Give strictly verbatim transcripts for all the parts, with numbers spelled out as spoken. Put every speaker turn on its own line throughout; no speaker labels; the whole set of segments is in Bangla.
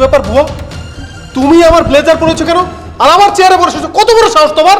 ব্যাপার বুয়া, তুমি আমার ব্লেজার পরেছো কেন আর আমার চেয়ারে বসেছো? কত বড় সাহস তোমার!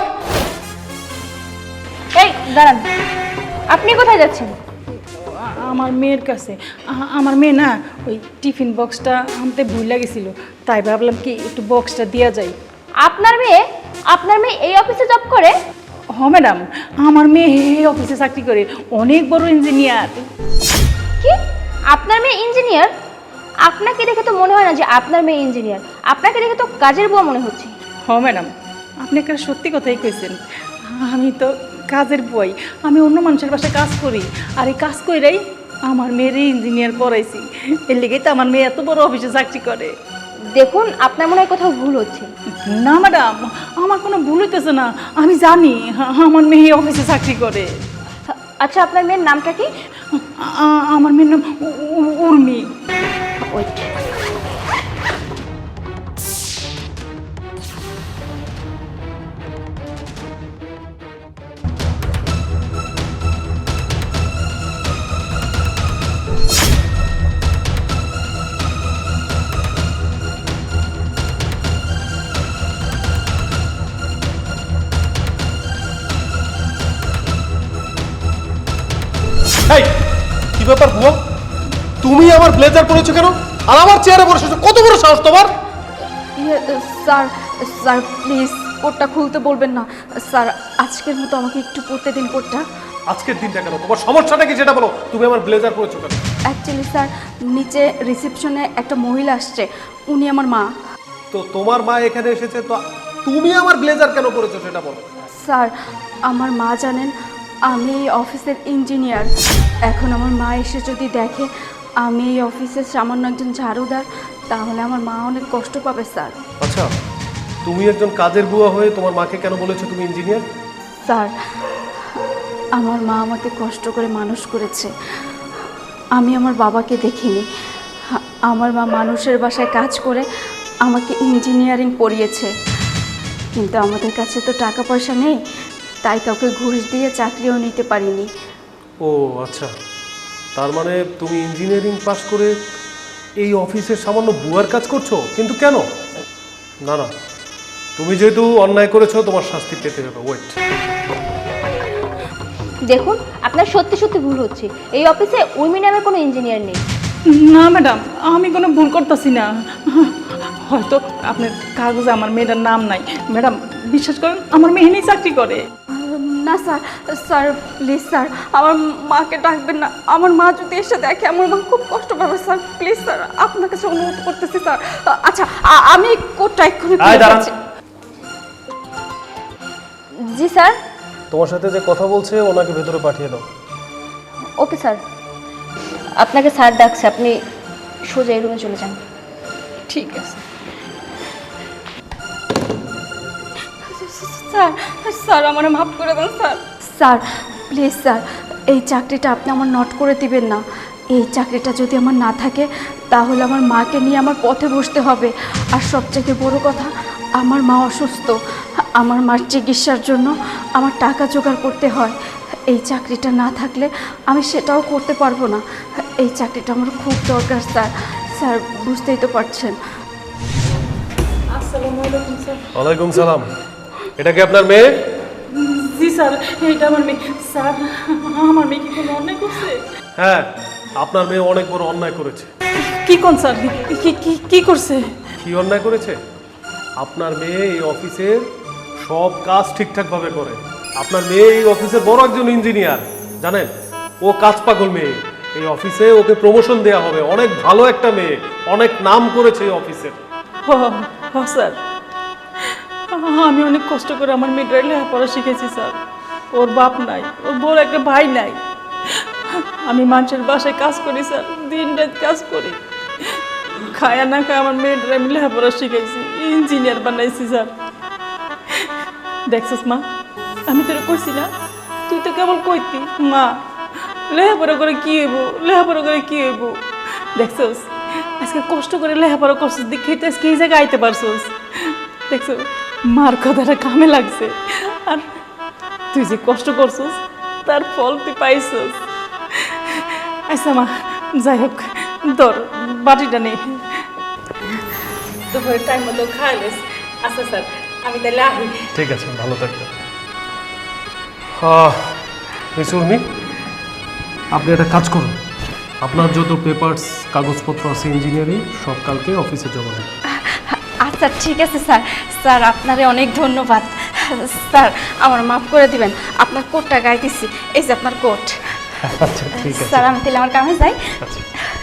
এই দাঁড়ান, আপনি কোথায় যাচ্ছেন?
আমার মেয়ের কাছে। আ- আমার মেয়ে না ওই টিফিন বক্সটা আনতে ভুল লাগেছিল, তাই ভাবলাম কি একটু বক্সটা দেওয়া যায়।
আপনার মেয়ে আপনার মেয়ে এই অফিসে জব করে?
হ ম্যাডাম, আমার মেয়ে এই অফিসে চাকরি করে, অনেক বড় ইঞ্জিনিয়ার।
কি আপনার মেয়ে ইঞ্জিনিয়ার? আপনাকে দেখে তো মনে হয় না যে আপনার মেয়ে ইঞ্জিনিয়ার, আপনাকে দেখে তো কাজের বুয়া মনে হচ্ছে।
হ ম্যাডাম, আপনি একটা সত্যি কথাই কইছেন। আমি তো কাজের বই, আমি অন্য মানুষের বাসায় কাজ করি, আর এই কাজ কইরাই আমার মেয়ের ইঞ্জিনিয়ার পড়াইছি। এর লেগেই তো আমার মেয়ে এত বড় অফিসে চাকরি করে।
দেখুন, আপনার মনে হয় কোথাও ভুল হচ্ছে।
না ম্যাডাম, আমার কোনো ভুল হইতেছে না, আমি জানি আমার মেয়ে এই অফিসে চাকরি করে।
আচ্ছা, আপনার মেয়ের নামটা কি?
আ- আমার মেয়ের নাম উ- উ- উর্মি।
ওয়েট।
এই কি ব্যাপার বুয়া, তুমি আমার ব্লেজার পরেছো কেন আর আমার চেয়ারে বসেছো? কত বড় সাহস তোমার!
ইয়ে, স্যার স্যার প্লিজ কোটটা খুলতে বলবেন না স্যার, আজকের মতো আমাকে একটু পড়তে দিন কোটটা।
আজকের দিনটা কেন? তোমার সমস্যাটা কি সেটা বলো। তুমি আমার ব্লেজার পরেছো কেন?
অ্যাকচুয়ালি স্যার, নিচে রিসেপশনে একটা মহিলা আসছে, উনি আমার মা।
তো তোমার মা এখানে এসেছে, তো তুমি আমার ব্লেজার কেন পরেছো সেটা বলো।
স্যার, আমার মা জানেন আমি এই অফিসের ইঞ্জিনিয়ার। এখন আমার মা এসে যদি দেখে আমি এই অফিসের সামান্য একজন ঝাড়ুদার, তাহলে আমার মা অনেক কষ্ট পাবে স্যার।
আচ্ছা, তুমি একজন কাজের বুয়া হয়ে তোমার মাকে কেন বলেছো তুমি ইঞ্জিনিয়ার?
স্যার, আমার মা আমাকে কষ্ট করে মানুষ করেছে, আমি আমার বাবাকে দেখিনি। আমার মা মানুষের বাসায় কাজ করে আমাকে ইঞ্জিনিয়ারিং পড়িয়েছে, কিন্তু আমাদের কাছে তো টাকা পয়সা নেই, তাই কাউকে ঘুষ দিয়ে চাকরিও নিতে পারিনি।
ও আচ্ছা, তার মানে তুমি ইঞ্জিনিয়ারিং পাস করে এই অফিসের সামান্য বুয়ার কাজ করছো, কিন্তু কেন? না না, তুমি যেহেতু অন্যায় করেছো তোমার শাস্তি পেতে হবে। ওয়েট,
দেখুন, আপনার সত্যি সত্যি ভুল হচ্ছে। এই অফিসে উর্মি নামের কোনো ইঞ্জিনিয়ার নেই।
না ম্যাডাম, আমি কোনো ভুল করতেছি না। হয়তো আপনার কাগজে আমার মেয়েটার নাম নাই। ম্যাডাম বিশ্বাস করেন, আমার মেয়ে নিয়ে চাকরি করে।
না স্যার, স্যার প্লিজ স্যার, আমার মাকে ডাকবেন না। আমার মা যদি এসে দেখে আমার মা খুব কষ্ট পাবে স্যার। প্লিজ স্যার, আপনার কাছে অনুরোধ করতেছি স্যার। আচ্ছা, আ- আমি কোটটা এক্ষুনি খুলে দিচ্ছি।
জি স্যার।
তোমার সাথে যে কথা বলছে ওনাকে ভেতরে পাঠিয়ে দাও।
Okay sir. আপনাকে স্যার ডাকছে, আপনি সোজা এই রুমে চলে যান।
ঠিক আছে।
স্যার, স্যার আমার মাফ করে দেন স্যার। স্যার প্লিজ স্যার, এই চাকরিটা আপনি আমার নট করে দিবেন না। এই চাকরিটা যদি আমার না থাকে তাহলে আমার মাকে নিয়ে আমার পথে বসতে হবে। আর সবথেকে বড় কথা, আমার মা অসুস্থ, আমার মার চিকিৎসার জন্য আমার টাকা জোগাড় করতে হয়। এই চাকরিটা না থাকলে আমি সেটাও করতে পারবো না। এই চাকরিটা আমার খুব দরকার স্যার। স্যার বুঝতেই তো পারছেন।
আসসালামু আলাইকুম স্যার।
ওয়ালাইকুম সালাম। এটা কি আপনার মেয়ে?
জি স্যার, এটা আমার মেয়ে। স্যার, আমার মেয়ে কি কোনো অন্যায় করছে?
হ্যাঁ, আপনার মেয়ে অনেক বড় অন্যায় করেছে।
কি কোন স্যার, কি কি কি করছে?
কি অন্যায় করেছে? আপনার মেয়ে এই অফিসের সব কাজ ঠিকঠাকভাবে করে। আপনার মেয়ে এই অফিসের বড় একজন ইঞ্জিনিয়ার, জানেন? ও কাজ পাগল মেয়ে। এই অফিসে ওকে প্রমোশন দেওয়া হবে। অনেক ভালো একটা মেয়ে, অনেক নাম করেছে এই অফিসের।
হ হ স্যার, আমি অনেক কষ্ট করে আমার মেয়েটার লেখাপড়া শিখেছি স্যার। ওর বাপ নাই, ওর বড় একটা ভাই নাই। আমি মানুষের বাসায় কাজ করি স্যার, দিন রাত কাজ করি, খায়া না খায় আমার মেয়েটার আমি লেখাপড়া শিখেছি, ইঞ্জিনিয়ার বানাইছি স্যার। দেখছিস মা, আমি তোর কইছি না, তুই তো কেবল কইতি মা লেখাপড়া করে কি হইব, লেখাপড়া করে কি হইব। দেখছিস আজকে কষ্ট করে লেখাপড়া করছিস, দেখেই তো আজকে এই জায়গায় আইতে পারছিস। দেখছো মার কথাটা কামে লাগছে, আর তুই যে কষ্ট করছিস তার ফল তুই পাইছিস। আচ্ছা মা, যাই হোক, ধর বাটিটা নেই। দুপুরে টাইম মতো খাইলেস। আচ্ছা স্যার, আমি তাহলে আহি।
ঠিক আছে, ভালো থাকবেন। মিস উর্মি, আপনি একটা কাজ করুন, আপনার যত পেপারস কাগজপত্র আছে ইঞ্জিনিয়ারিং সব কালকে অফিসে জমা দিন।
আচ্ছা ঠিক আছে স্যার। স্যার আপনারে অনেক ধন্যবাদ। স্যার আমার মাফ করে দিবেন, আপনার কোটটা গাইতেছি, এই যে আপনার কোট।
আচ্ছা ঠিক আছে।
স্যার আমি তাহলে আমার কামে যাই।
আচ্ছা।